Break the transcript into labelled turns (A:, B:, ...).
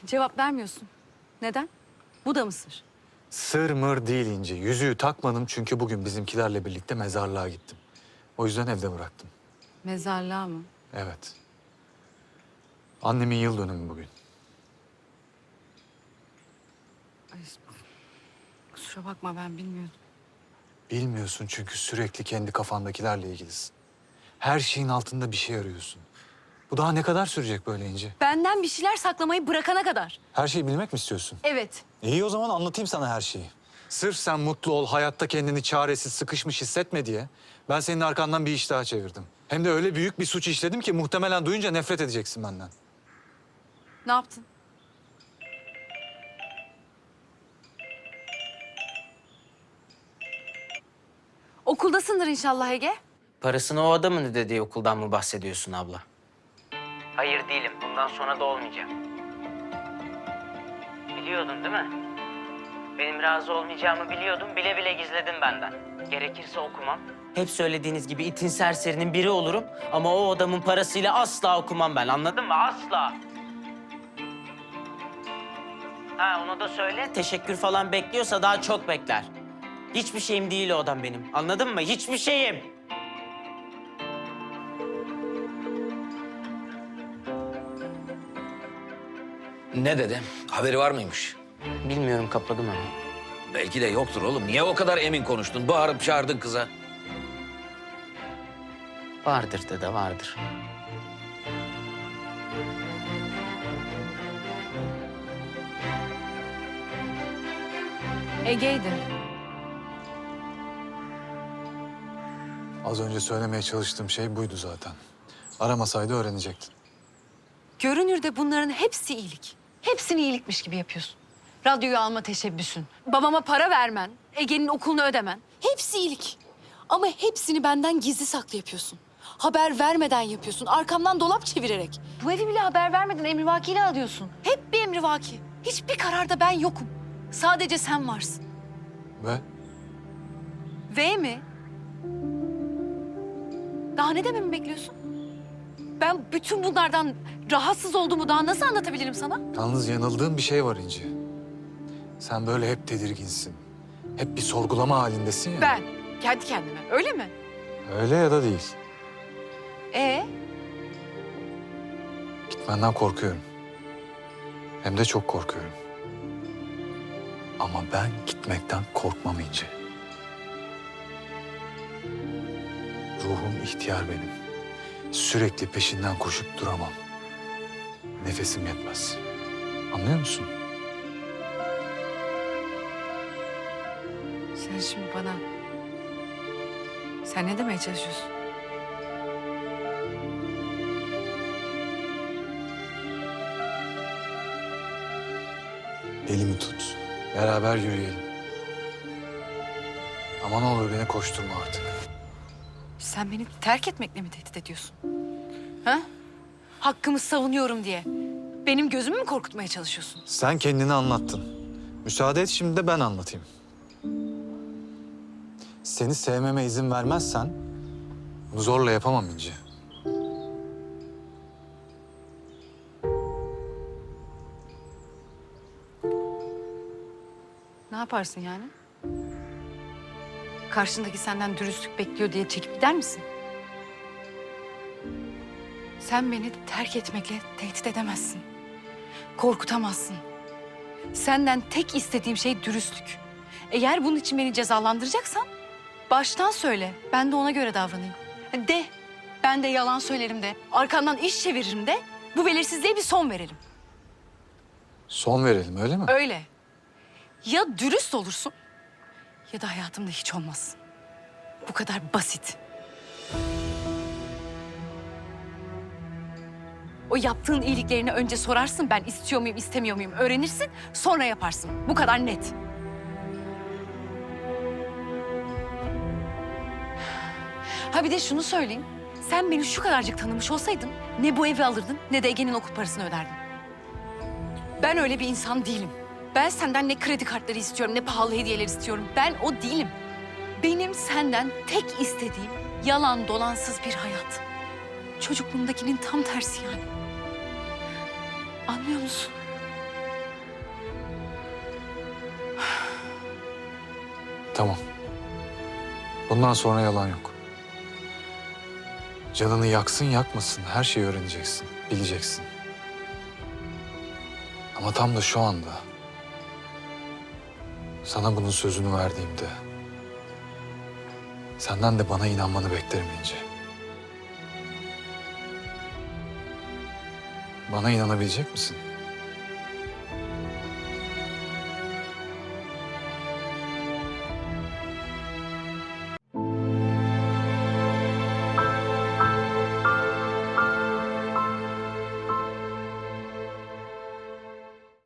A: Cevap vermiyorsun. Neden? Bu da mı sır?
B: Sır mır değil İnci. Yüzüğü takmadım çünkü bugün bizimkilerle birlikte mezarlığa gittim. O yüzden evde bıraktım.
A: Mezarlığa mı?
B: Evet. Annemin yıl dönümü bugün.
A: Ay, kusura bakma ben bilmiyordum.
B: Bilmiyorsun çünkü sürekli kendi kafandakilerle ilgilisin. Her şeyin altında bir şey arıyorsun. Bu daha ne kadar sürecek böyle İnci?
A: Benden bir şeyler saklamayı bırakana kadar.
B: Her şeyi bilmek mi istiyorsun?
A: Evet.
B: İyi o zaman anlatayım sana her şeyi. Sırf sen mutlu ol, hayatta kendini çaresiz, sıkışmış hissetme diye ben senin arkandan bir iş daha çevirdim. Hem de öyle büyük bir suç işledim ki muhtemelen duyunca nefret edeceksin benden.
A: Ne yaptın? Okuldasındır inşallah Ege.
C: Parasını o adamın ödediği okuldan mı bahsediyorsun abla? Hayır değilim. Bundan sonra da olmayacağım. Biliyordun değil mi? Benim razı olmayacağımı biliyordum. Bile bile gizledin benden. Gerekirse okumam. Hep söylediğiniz gibi itin serserinin biri olurum. Ama o adamın parasıyla asla okumam ben. Anladın mı? Asla. Ha onu da söyle. Teşekkür falan bekliyorsa daha çok bekler. Hiçbir şeyim değil o adam benim. Anladın mı? Hiçbir şeyim.
D: Ne dedi? Haberi var mıymış?
C: Bilmiyorum, kapadım ama.
D: Belki de yoktur oğlum. Niye o kadar emin konuştun? Bağırıp çağırdın kıza.
C: Vardır dede, vardır.
A: Ege'ydi.
B: Az önce söylemeye çalıştığım şey buydu zaten. Aramasaydı öğrenecektin.
A: Görünürde bunların hepsi iyilik. Hepsini iyilikmiş gibi yapıyorsun. Radyoyu alma teşebbüsün, babama para vermen, Ege'nin okulunu ödemen. Hepsi iyilik. Ama hepsini benden gizli saklı yapıyorsun. Haber vermeden yapıyorsun, arkamdan dolap çevirerek. Bu evi bile haber vermeden emrivakiyle alıyorsun. Hep bir emrivaki. Hiçbir kararda ben yokum. Sadece sen varsın.
B: Ve
A: V mi? Daha ne dememi bekliyorsun? Ben bütün bunlardan rahatsız olduğumu daha nasıl anlatabilirim sana?
B: yalnız yanıldığın bir şey var İnci. Sen böyle hep tedirginsin. Hep bir sorgulama halindesin ya.
A: Ben, kendi kendime. Öyle mi?
B: Öyle ya da değil.
A: Ee,
B: Gitmenden korkuyorum. Hem de çok korkuyorum. Ama ben gitmekten korkmam İnci. Ruhum ihtiyar benim. Sürekli peşinden koşup duramam. Nefesim yetmez. Anlıyor musun?
A: sen şimdi bana... Sen ne demeye çalışıyorsun?
B: Elimi tut. Beraber yürüyelim. Ama ne olur beni koşturma artık.
A: Sen beni terk etmekle mi tehdit ediyorsun? Ha? Hakkımı savunuyorum diye. Benim gözümü mü korkutmaya çalışıyorsun?
B: Sen kendini anlattın. Müsaade et şimdi de ben anlatayım. Seni sevmeme izin vermezsen bunu zorla yapamam İnci.
A: Ne yaparsın yani? Karşındaki senden dürüstlük bekliyor diye çekip gider misin? Sen beni terk etmekle tehdit edemezsin. Korkutamazsın. Senden tek istediğim şey dürüstlük. Eğer bunun için beni cezalandıracaksan baştan söyle. Ben de ona göre davranayım. De. Ben de yalan söylerim de. Arkandan iş çeviririm de. Bu belirsizliğe bir son verelim.
B: Son verelim öyle mi?
A: Öyle. Ya dürüst olursun ya da hayatımda hiç olmazsın. Bu kadar basit. O yaptığın iyiliklerini önce sorarsın. Ben istiyor muyum, istemiyor muyum öğrenirsin. Sonra yaparsın. Bu kadar net. Ha bir de şunu söyleyeyim. Sen beni şu kadarcık tanımış olsaydın ne bu evi alırdın ne de Ege'nin okul parasını öderdin. Ben öyle bir insan değilim. Ben senden ne kredi kartları istiyorum, ne pahalı hediyeler istiyorum. Ben o değilim. Benim senden tek istediğim yalan dolansız bir hayat. Çocukluğumdakinin tam tersi yani. Anlıyor musun?
B: Tamam. Bundan sonra yalan yok. Canını yaksın yakmasın her şeyi öğreneceksin, bileceksin. Ama tam da şu anda sana bunun sözünü verdiğimde senden de bana inanmanı beklerim İnci. Bana inanabilecek misin?